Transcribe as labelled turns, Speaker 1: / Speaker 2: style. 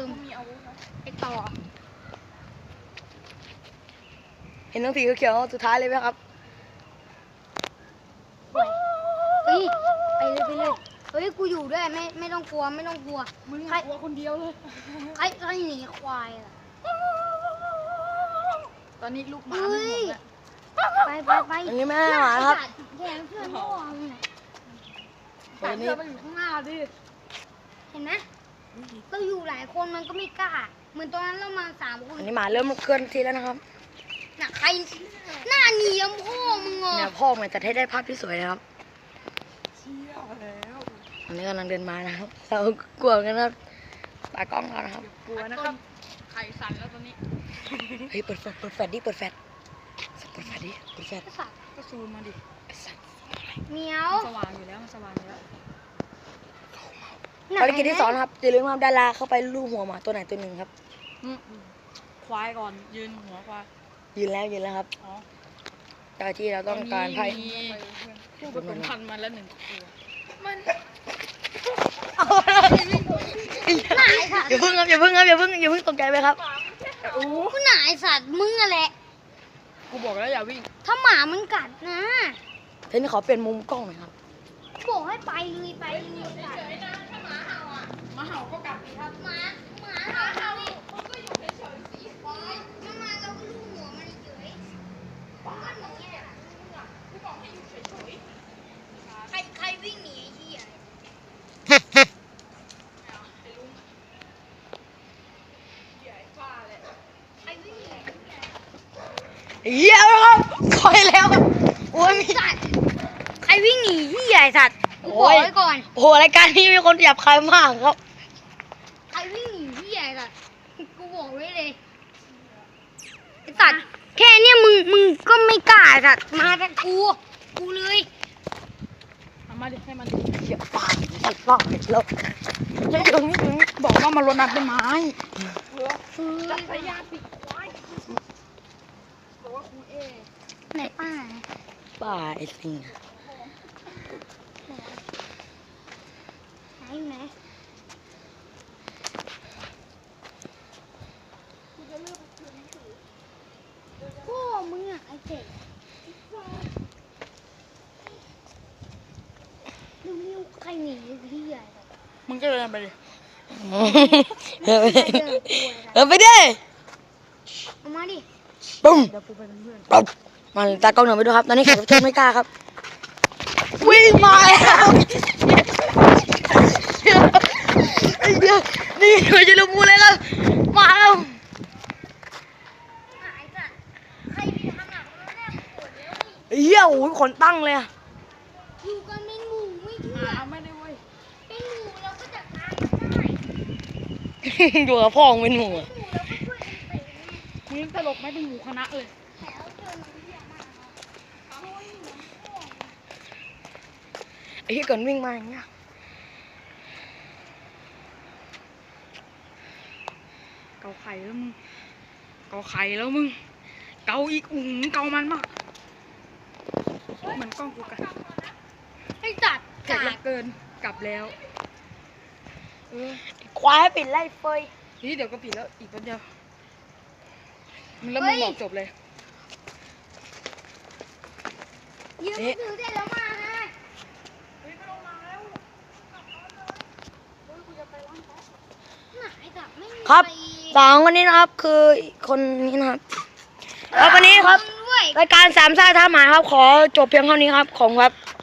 Speaker 1: มไอต่อ
Speaker 2: เห็นน้องสีเขียวๆสุดท้ายเลยไหมครับ
Speaker 1: เฮ้ยไปเลยเฮ้ยกูอยู่ด้วยไม่ต้องกลัวไม่ต้องกลัวมึงกลัวคนเดียวเลยใครหนีควายอ่ะตอนนี้ลูกหมาไม่หมดแล้วไป
Speaker 2: อันนี้แม่หมาครับ
Speaker 1: แย่เพื่อนพ่อมึงน่ะ
Speaker 2: ตอนนี้
Speaker 1: มันอยู่ข้างหน้าดิเห็นไหมเราอยู่หลายคนมันก็ไม่กล้าเหมือนตอนนั้นเรามา3 คน
Speaker 2: อันนี้หมาเริ่มเคลื่อนที่แล้วนะครับ
Speaker 1: น่ะใครหน้าเนียมพ่อมึงอ่ะ
Speaker 2: เนี่ยพ่อมันจะให้ได้ภาพที่สวยนะครับ
Speaker 3: เชี่ยแล้ว
Speaker 2: อันนี้กำลังเดินมานะครับ เรากลัวกันนะครับตากล้องเรานะครับ
Speaker 3: กลัวนะครับไข่สั่นแล้วตอนนี้
Speaker 2: เฮ้ยเปิดแฟลชดิเปิดแฟลชเปิดแฟลชดิเปิดแฟลช
Speaker 1: สัตว์
Speaker 3: ก็ซูมมาดิ
Speaker 2: ไอ้สัตว์
Speaker 1: เหมียว
Speaker 3: สว่างอยู่แล้วมันสว่างอยู่แล้ว
Speaker 2: ภารกิจที่ 2ครับอย่าลืมครับดาราเข้าไปลูบหัวหมาตัวไหนตัวหนึ่งครับ
Speaker 3: ควายก่อนยืนหัวควาย
Speaker 2: ยืนแล้วครับ
Speaker 3: อ๋อ
Speaker 2: เจ้าที่เราต้องการไพ่
Speaker 3: มีผู้ผสมพันธุ์มาแล้ว1 ตัวมัน
Speaker 1: หน้าไอ้สัตว์
Speaker 2: อย่าเพิ่งตกใจไปครับ
Speaker 3: โอ้
Speaker 1: กูหน้าไอ้สัตว์มึงอะแหละ
Speaker 3: กูบอกแล้วอย่าวิ่ง
Speaker 1: ถ้าหมามันกัดนะ
Speaker 2: เทนนี่ขอเปลี่ยนมุมกล้องหน่อยครับ
Speaker 1: บอกให้ไปเลยไปเลย
Speaker 3: มาเห่าก็กลับดีครับ
Speaker 1: หมาเห่าดิมันก็อยู่เฉยๆสิมันมาเราก็ลูบหัวมันเฉยบ้านมึงเนี่ยกูบอกให้อยู่เฉยๆใครวิ่งหนีไอ้เหี้ยใครวิ่งหนี
Speaker 2: เหี้ยครับคอยแล้วครับโอ้ยมี
Speaker 1: สัตว์ใครวิ่งหนีเหี้ยไอ้สัตว์กูบอกไว้ก่อน
Speaker 2: โอ้โหรายการนี้มีคนหยาบคายมากครับ
Speaker 1: ใครวิ่งหนีเหี้ยไอ้สัตว์กูบอกไว้เลยไอ้สัตว์แค่เนี้ยมึงก็ไม่กล้าไอ้สัตว์มาแต่กูเลย
Speaker 3: เอามาดิให้มัน
Speaker 2: เหี้ยปากสัตว์ปากแล้ว
Speaker 3: ไม่ถึงบอกว่ามันรดน้ำต้นไม้
Speaker 1: จับสายยาปิดไหนป้า
Speaker 2: ป้าไอ้สิง
Speaker 1: ไหนโอ้มึงอ่ะไอ้เจ๊เร็วๆใครหนีพี่ใหญ่
Speaker 3: มึงก็เดินไปดิ
Speaker 2: ไปดิ
Speaker 1: เอามาดิ
Speaker 2: ปุ้ม
Speaker 3: เดี๋ยวกูไปเป็นเพื่อน
Speaker 2: ปุ๊บมาตากล้องหน่อยไปดูครับ ตอนนี้แขกรับเชิญไม่กล้าครับ วิ่งมาแล้วไอ้เหี้ยนี่มันจะลุมูเลยครับมาแล้ว
Speaker 1: หายจ้ะใครไปทำหนักแล้วเนี่ยปวดแล้วนี่
Speaker 2: ไอ้เหี้ยโอ้ยขนตั้งเลยอะ
Speaker 1: อยู่กันเป็นหมู่ไม่เชื่อ
Speaker 3: ไม่ได้เว้ย
Speaker 1: เป็นหมู่เราก็จัดการกันได้
Speaker 2: อยู่กับพ่อมึงเป็นหมู่อะ
Speaker 1: หมู่เราก็ช่วยกันเตะไง
Speaker 3: มึงตลกไหมเป็นหมูคณะเลย
Speaker 1: แถวเจอมันเยอะมากโอ้ยเหมือนพ่อ
Speaker 2: ไอ้เหี้ยก่อนวิ่งมาอย่างเงี้ย
Speaker 3: เกาไข่แล้วมึง เกาไข่แล้วมึง เกาอีกเกามันมากเหมือนกล้องกูกัน
Speaker 1: ไอ้จัด
Speaker 3: เสร็จ
Speaker 1: กา
Speaker 3: แล้ว
Speaker 1: ด
Speaker 3: เกินกลับแล้ว
Speaker 2: ควายให้ปิดไล่เฟย
Speaker 3: นี่เดี๋ยวก็ผิดแล้วอีกแป๊บเดียวมึงแล้วมึงบอกจบเลย
Speaker 1: ยืมมือถือเสร็จแล้วมาไงไหนจับไม่มี
Speaker 2: ครับ
Speaker 1: ใ
Speaker 2: สองคนนี้นะครับ คือคนนี้นะครับแล้ววันนี้ครับ
Speaker 1: ด้วย
Speaker 2: รายการสามซ่าท่าหมาครับ ขอจบเพียงเท่านี้ครับ ของครับ